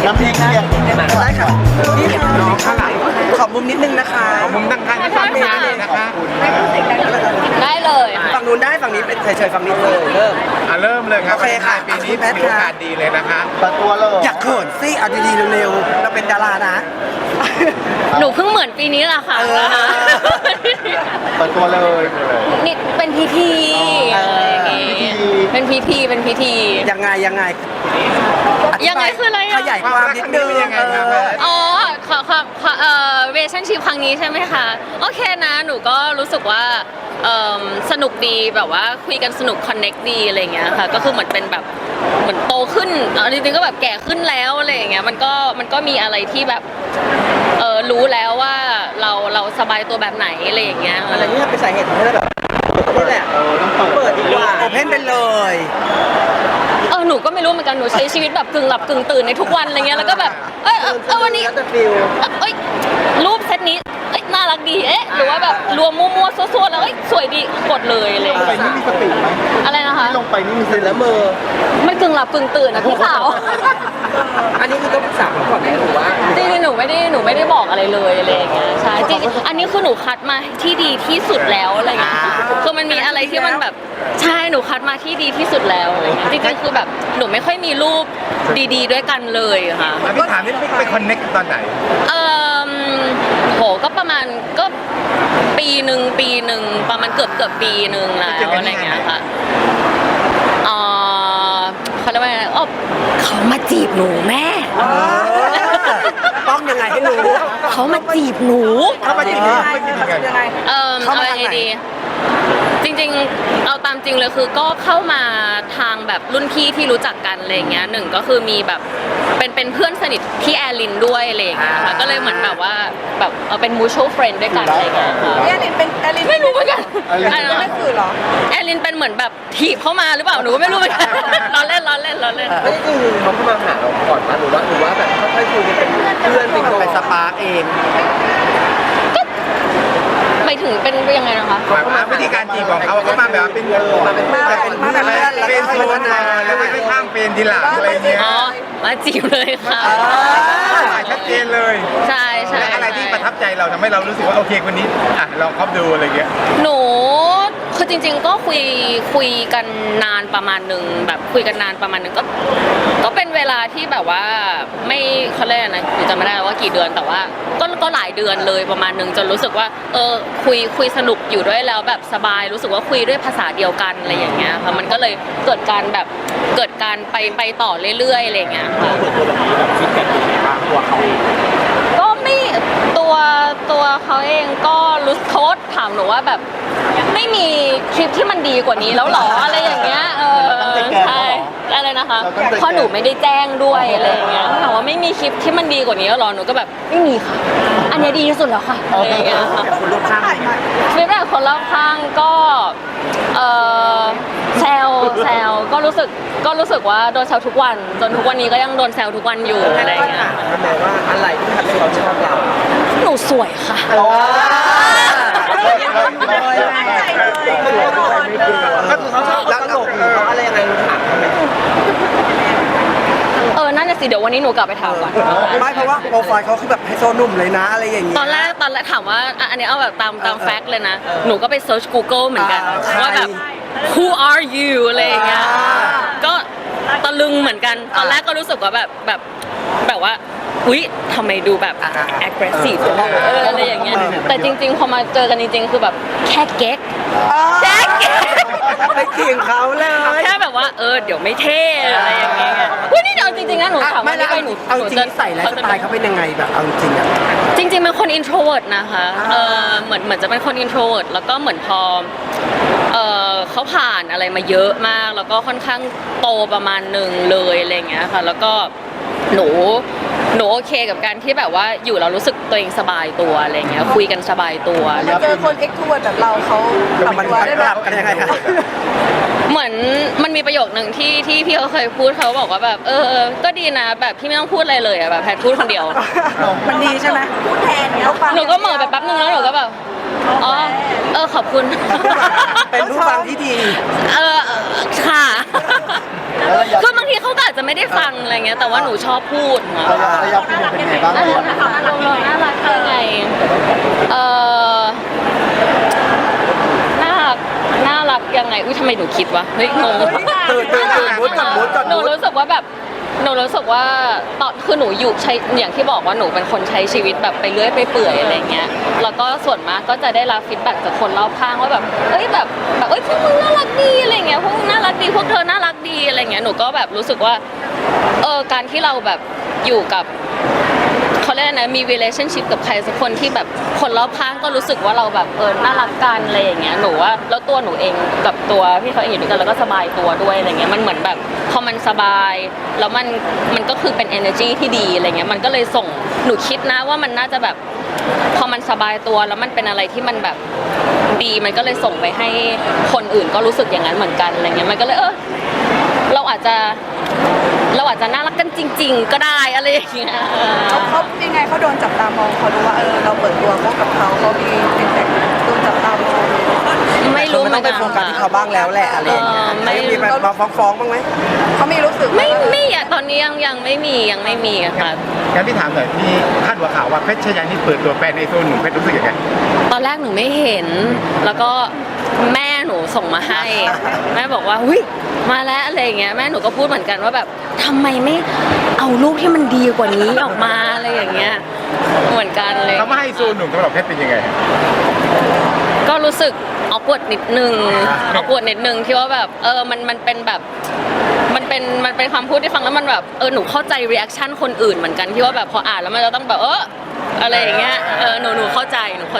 น้ำพริกเนี่ยได้ค่ะนี่ค่ะน้องข้างหลังขอมุมนิดนึงนะคะมุมตั้งข้างที่ฝั่งนี้เลยนะคะได้เลยฝั่งนู้นได้ฝั่งนี้เป็นเฉยๆฝั่งนี้เลยเริ่มเริ่มเลยครับโอเคค่ะปีนี้แพทย์มีโอกาสดีเลยนะคะเปิดตัวเลยอยากเขินสิเอาดีๆเร็วๆเราเป็นดารานะหนูเพิ่งเหมือนปีนี้แหละค่ะเปิดตัวเลยนี่เป็นพิธีอะไรอย่างงี้เป็นพิธีเป็นพิธียังไงอธิบายังไงคืออะไรอะขยายความนิดนึงยังไงครับอ๋อเวชั่นชิพครั้งนี้ใช่ไหมคะโอเคนะหนูก็รู้สึกว่าสนุกดีแบบว่าคุยกันสนุกคอนเน็กดีอะไรเงี้ยค่ะก็คือเหมือนเป็นแบบเหมือนโตขึ้นจริงๆก็แบบแก่ขึ้นแล้วอะไรอย่างเงี้ยมันก็มีอะไรที่แบบรู้แล้วว่าเราสบายตัวแบบไหนอะไรอย่างเงี้ยอะไรนี่เป็นสาเหตุทำให้เราแบบนี่แหละเปิดดีกว่าโอเพนไปเลยหนูก็ไม่รู้เหมือนกันหนูใช้ชีวิตแบบกึ่งหลับกึ่งตื่นในทุกวันอะไรเงี้ยแล้วก็แบบวันนี้แล้วแต่ฟิลรูปเซตนี้น่ารักดีหรือว่าแบบรวมมั่วๆซั่วๆแล้วสวยดีกดเลยอะไรอย่างไปเงี้ยนี่มีสติไหมอะไรนะคะลงไปนี่มีสตื่นติแล้วมือมันกึ่งหลับกึ่งตื่นนะพี่สาวอันนี้คือต้องปรึกษาเขาก่อนไหมหรือว่าจริงๆหนูไม่ได้บอกอะไรเลยอะไรอย่างเงี้ยใช่จริงๆอันนี้คือหนูคัดมาที่ดีที่สุดแล้วอะไรเงี้ยคือมันมีอะไรที่มันแบบใช่หนูคัดมาที่ดีที่สุดแล้วอะไรเงี้ยจริงๆคือแบบหนูไม่ค่อยมีรูปดีๆด้วยกันเลยค่ะพี่ถามนี่ไปคอนเน็กตอนไหนโหก็ประมาณก็ปีหนึ่งประมาณเกือบปีหนึ่งแล้วอะไรเงี้ยค่ะเขาเรียกว่าไงเขามาจีบหนูแม่ต้องยังไงให้รู้เขามาจีบหนูเขามาจีบยังไงเอายังไงดี จริงๆเอาตามจริงเลยคือก็เข้ามาทางแบบรุ่นพี่ที่รู้จักกันอะไรเงี้ยหนึ่งก็คือมีแบบเป็นเพื่อนสนิทที่แอลินด้วยอะไรเงี้ยค่ะก็เลยเหมือนแบบว่าแบบเป็น mutual friend ด้วยกันอะไรเงี้ยค่ะแอลินเป็นแอลินไม่รู้เหมือนกันไม่คือเหรอแอลินเป็นเหมือนแบบถีบเข้ามาหรือเปล่าหนูก็ไม่รู้เหมือนกันล้อเล่นไม่จริงเขาเข้ามาหาเราก่อนมาหรือว่าแบบค่อยๆคุยกันเป็นเพื่อนเป็นไปสปาร์กเองไปถึงเป็นยังไงนะคะหมายความว่าวิธีการจีบของเขาเขามาแบบเป็นมาเป็นเพื่อนโซนมาแล้วไม่ข้ามเป็นทีหลังอะไรเงี้ยอ๋อมาจีบเลยค่ะชัดเจนเลยใช่และอะไรที่ประทับใจเราทำให้เรารู้สึกว่าโอเคคนนี้ลองคบดูอะไรเงี้ยหนูคือจริงๆก็คุยกันนานประมาณหนึ่งแบบคุยกันนานประมาณหนึ่งก็เป็นเวลาที่แบบว่าไม่เขาเรียกอะไรนะหนูจำไม่ได้ว่ากี่เดือนแต่ว่าก็หลายเดือนเลยประมาณหนึ่งจนรู้สึกว่าคุยสนุกอยู่ด้วยแล้วแบบสบายรู้สึกว่าคุยด้วยภาษาเดียวกันอะไรอย่างเงี้ยค่ะมันก็เลยเกิดการไปต่อเรื่อยๆอะไรอย่างเงี้ยค่ะเปิดตัวแบบนี้แบบฟีดแบ็กเป็นไงบ้างตัวเขาเองก็ไม่ตัวเขาเองก็รู้โทษถามหนูว่าแบบไม่มีคลิปที่มันดีกว่านี้แล้วหรออะไรอย่างเงี้ยใช่อะไรนะคะเพราะหนูไม่ได้แจ้งด้วยอะไรอย่างเงี้ยถามว่าไม่มีคลิปที่มันดีกว่านี้แล้วหรอหนูก็แบบไม่มีค่ะอันนี้ดีที่สุดแล้วค่ะอะไรอย่างเงี้ยค่ะคนรอบข้างฟีดแบ็กคนรอบข้างก็แซวก็รู้สึกว่าโดนแซวทุกวันจนทุกวันนี้ก็ยังโดนแซวทุกวันอยู่อะไรอย่างเงี้ยทำไมว่าอะไรที่ทำให้เขาชอบเราหนูสวยค่ะก็คือเขาชอบตลกหรือเขาอะไรยังไงถามทำไมนั่นน่ะสิเดี๋ยววันนี้หนูกลับไปถามก่อนไม่เพราะว่าโปรไฟล์เขาคือแบบไฮโซหนุ่มเลยนะอะไรอย่างนี้ตอนแรกถามว่าอันนี้เอาแบบตามแฟกต์เลยนะ หนูก็ไปเซิร์ช Google เหมือนกันว่าแบบ who are you อะไรอย่างเงี้ยก็ตะลึงเหมือนกันตอนแรกก็รู้สึกว่าแบบว่าอุ๊ยทำไมดูแบบ aggressive อะไรอย่างเงี้ยแต่จริงๆพอมาเจอกันจริงๆคือแบบแค่เก๊กไปเถียงเขาเลยแค่แบบว่าเดี๋ยวไม่เท่อะไรอย่างเงี้ยเฮ้ยนี่เดี๋ยวจริงๆนะหนูถามว่านี่ไปหนูเอาจริงใส่แล้วสไตล์เขาเป็นยังไงแบบเอาจริงอ่ะจริงๆเป็นคน introvert นะคะเหมือนจะเป็นคน introvert แล้วก็เหมือนพอเขาผ่านอะไรมาเยอะมากแล้วก็ค่อนข้างโตประมาณหนึ่งเลยอะไรอย่างเงี้ยค่ะแล้วก็หนูโอเคกับการที่แบบว่าอยู่เรารู้สึกตัวเองสบายตัวอะไรเงี้ยคุยกันสบายตัวมาเจอคนเอ็กซ์ทูเวิร์ดแบบเราเขาปรับตัวได้แบบกันยังไงคะเหมือนมันมีประโยคหนึ่งที่พี่เขาเคยพูดเขาบอกว่าแบบก็ดีนะแบบพี่ไม่ต้องพูดอะไรเลยอะแบบแพทพูดคนเดียวมันดีใช่ไหมพูดแทนเนี่ยหนูก็เหม่อไปแป๊บนึงแล้วหนูก็แบบขอบคุณเป็นผู้ฟังที่ดีค่ะคือบางทีเขาเขาก็อาจจะไม่ได้ฟังอะไรเงี้ยแต่ว่าหนูชอบพูดค่ะระยะพี่เป็นไงบ้างน่ารักน่ารักยังไงเออน่ารักน่ารักยังไงอุ้ยทำไมหนูคิดวะเฮ้ยงงตื่นมุดก่อนมุดก่อนหนูมุดรู้สึกว่าแบบหนูรู้สึกว่าตอนคือหนูอยู่ใช้อย่างที่บอกว่าหนูเป็นคนใช้ชีวิตแบบไปเรื่อยไปเปื่อยอะไรเงี้ยแล้วก็ส่วนมากก็จะได้รับฟีดแบ็กจากคนรอบข้างว่าแบบเอ้ยแบบเอ้ยพวกมึงน่ารักดีอะไรเงี้ยพวกมึงน่ารักดีพวกเธอน่ารักดีอะไรเงี้ยหนูก็แบบรู้สึกว่าการที่เราแบบอยู่กับเขาเรียกนะมี relationship กับใครสักคนที่แบบคนรอบข้างก็รู้สึกว่าเราแบบน่ารักกันอะไรอย่างเงี้ยหนูว่าแล้วตัวหนูเองกับตัวพี่เขาเองอยู่ด้วยกันแล้วก็สบายตัวด้วยอะไรเงี้ยมันเหมือนแบบพอมันสบายแล้วมันก็คือเป็น energy ที่ดีอะไรเงี้ยมันก็เลยส่งหนูคิดนะว่ามันน่าจะแบบพอมันสบายตัวแล้วมันเป็นอะไรที่มันแบบดีมันก็เลยส่งไปให้คนอื่นก็รู้สึกอย่างนั้นเหมือนกันอะไรเงี้ยมันก็เลยเราอาจจะน่ารักกันจริง ๆ ก็ได้อะไรอย่างเงี้ยเขายังไงเขาโดนจับตามองเขารู้ว่าเราเปิดตัวเขากับเขามีเป็นแต่โดนจับตามองไม่รู้เหมืต้ออน งไปกันโฟกัสที่เขาบ้างแล้วแหละอะไรอย่างเงี้ยไม่มีมาฟ้องบ้างไหมเขามีรู้สึกไม่อะตอนนี้ยังไม่มีอะค่ะงั้นพี่ถามหน่อยพี่คาดหัวข่าวว่าเพชรชยานี่เปิดตัวแฟนในโซนหนุ่มเพชรรู้สึกยังไงตอนแรกหนูไม่เห็น แล้วก็แม่หนูส่งมาให้ แม่บอกว่าหุ้ยมาแล้วอะไรอย่างเงี้ยแม่หนูก็พูดเหมือนกันว่าแบบทำไมไม่เอารูปที่มันดีกว่านี้ออกมาอะไรอย่างเงี้ยเหมือนกันเลยเขามาให้โซนหนุ่มสำหรับเพชรเป็นยังไงก็รู้สึกออกวดนิดนึงที่ว่าแบบมันเป็นแบบมันเป็นคำพูดที่ฟังแล้วมันแบบหนูเข้าใจรีแอคชั่นคนอื่นเหมือนกันที่ว่าแบบพออ่านแล้วมันจะต้องแบบอะไรอย่างเงี้ยหนูเข้าใจ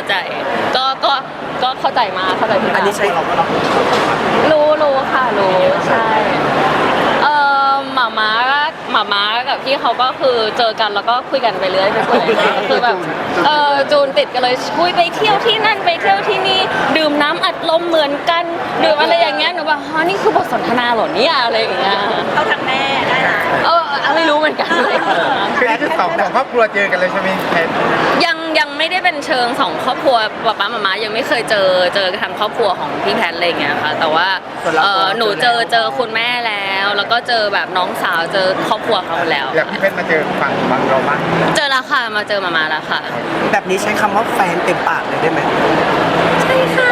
ก็เข้าใจมาเข้าใจพี่อันนี้ใช่รู้ค่ะรู้ใช่หมาม้ากับพี่เขาก็คือเจอกันแล้วก็คุยกันไปเรื่อยคือแบบจูนติดกันเลยคุยไปเที่ยวที่นั่นไปเที่ยวที่นี่ดื่มน้ำอัดลมเหมือนกันดื่มอะไรอย่างเงี้ยหนูแบบนี่คือบทสนทนาเหรอเนี่ยอะไรอย่างเงี้ยเขาทางแม่ได้นะไม่รู้เหมือนกันคือนี่คือสองครอบครัวเจอกันเลยใช่ไหมเพชรยังไม่ได้เป็นเชิงสองครอบครัวป๊าป๊ามายังไม่เคยเจอทางครอบครัวของพี่แพทอะไรอย่างเงี้ยค่ะแต่ว่าหนูเจอคุณแม่แล้วก็เจอแบบน้องสาวเจอครอบครัวเขาแล้วอยากพี่เพชรมาเจอฝั่งบางเราบ้างเจอแล้วค่ะมาเจอมาแล้วค่ะแบบนี้ใช้คำว่าแฟนเต็มปากเลยได้ไหมใช่ค่ะ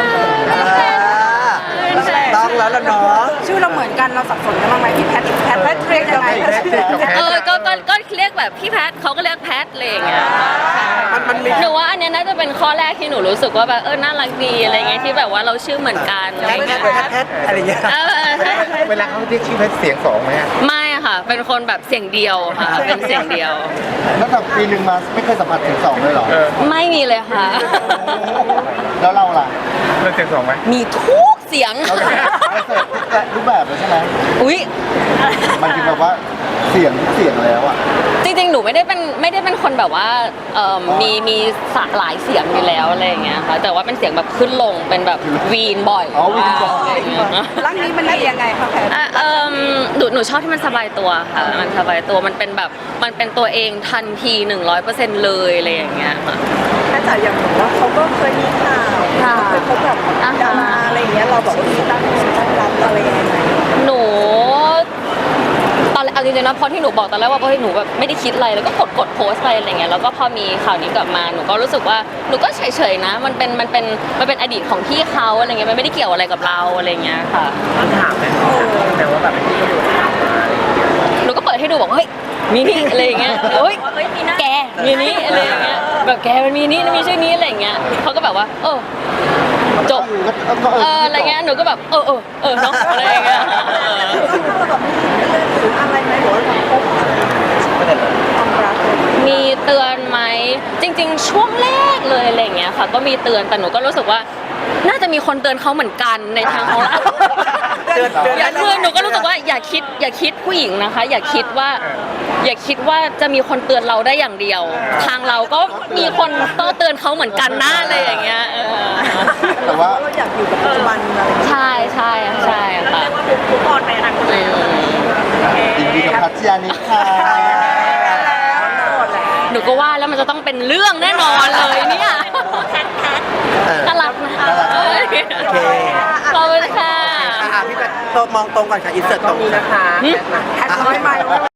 ต้องแล้วล่ะเนาะชื่อเราเหมือนกันเราสับสนกันบ้างไหมพี่แพทเรียกยังไงก็เรียกแบบพี่แพทเขาก็เรียกแพทอะไรอย่างเงี้ยมันมีหนูว่าอันเนี้ยน่าจะเป็นข้อแรกที่หนูรู้สึกว่าแบบน่ารักดีอะไรเงี้ยที่แบบว่าเราชื่อเหมือนกันอะไรเงี้ยแพทอะไรอย่างเงี้ยเวลาเขาเรียกชื่อเพชรเสียงสองไหมฮะไม่ค่ะ เป็นคนแบบเสียงเดียวค่ะ เป็นเสียงเดียวแล้วแบบปีหนึ่งมาไม่เคยสัมผัสถึงสองเลยเหรอไม่มีเลยค่ะแล้วเราล่ะเราเสียงสองไหมมีทุกเสียงเราเสิร์ฟแต่รูปแบบเลยใช่ไหมอุ้ยมันคือแบบว่าเสียงทุกเสียงแล้วอ่ะจริงๆ หนูไม่ได้เป็นคนแบบว่ามีหลายเสียงอยู่แล้วอะไรอย่างเงี้ยค่ะ แต่ว่าเป็นเสียงแบบขึ้นลงเป็นแบบวีนบ่อยอ๋อวีนบ่อยอะไรอย่างเงี้ยร่างนี้มันดียังไงคะแพทหนูชอบที่มันสบายตัวค่ะ มันสบายตัวมันเป็นแบบมันเป็นตัวเองทันที 100%เลยอะไรอย่างเงี้ยค่ะถ้าจ๋าอย่างบอกว่าเขาก็เคยมีข่าวเคยพบกับดาราอะไรอย่างเงี้ยเราบอกว่ามีตั้งรับอะไรยังไงหนูตอนเอาจริงๆนะพอที่หนูบอกตอนแรกว่าหนูแบบไม่ได้คิดอะไรแล้วก็กดโพสต์ไปอะไรเงี้ยแล้วก็พอมีข่าวนี้กลับมาหนูก็รู้สึกว่าหนูก็เฉยๆนะมันเป็นอดีตของพี่เขาอะไรเงี้ยมันไม่ได้เกี่ยวอะไรกับเราอะไรเงี้ยค่ะถามแต่ว่าแบบที่อยู่ถามมาหนูก็เปิดให้ดูบอกเฮ้ยมีนี่อะไรอย่างเงี้ยเฮ้ยแกมีนี่อะไรอย่างเงี้ยแบบแกมันมีนี่มีชื่อนี้อะไรอย่างเงี้ยเขาก็แบบว่าจบอะไรเงี้ยหนูก็แบบเนาะอะไรอย่างเงี้ยอะไรไหมหรือว่าพบความรักมีเตือนไหมจริงๆ ช่วงแรกเลยอะไรอย่างเงี้ยค่ะก็มีเตือนแต่หนูก็รู้สึกว่าน่าจะมีคนเตือนเขาเหมือนกันในทางของเราคือหนูก็รู้สึกว่าอย่าคิดผู้หญิงนะคะ อย่าคิดว่าจะมีคนเตือนเราได้อย่างเดียว ทางเราก็มีคนต้องเตือนเขาเหมือนกันนะอะไรอย่างเงี้ยแต่ว่าเราอยากอยู่กับปัจจุบันอะไรอย่างเงี้ยใช่ค่ะว่าทุกคนไปอนาคตแล้วยินดีกับพัชยานิดค่ะหนูก็ว่าแล้วมันจะต้องเป็นเรื่องแน่นอนเลยเนี่ยน่ารักนะน่ารักโอเคขอบคุณค่ะอ่ะพี่แพทมองตรงก่อนค่ะอินเสิร์ตตรงนี้นะคะแอดร้อยไมล์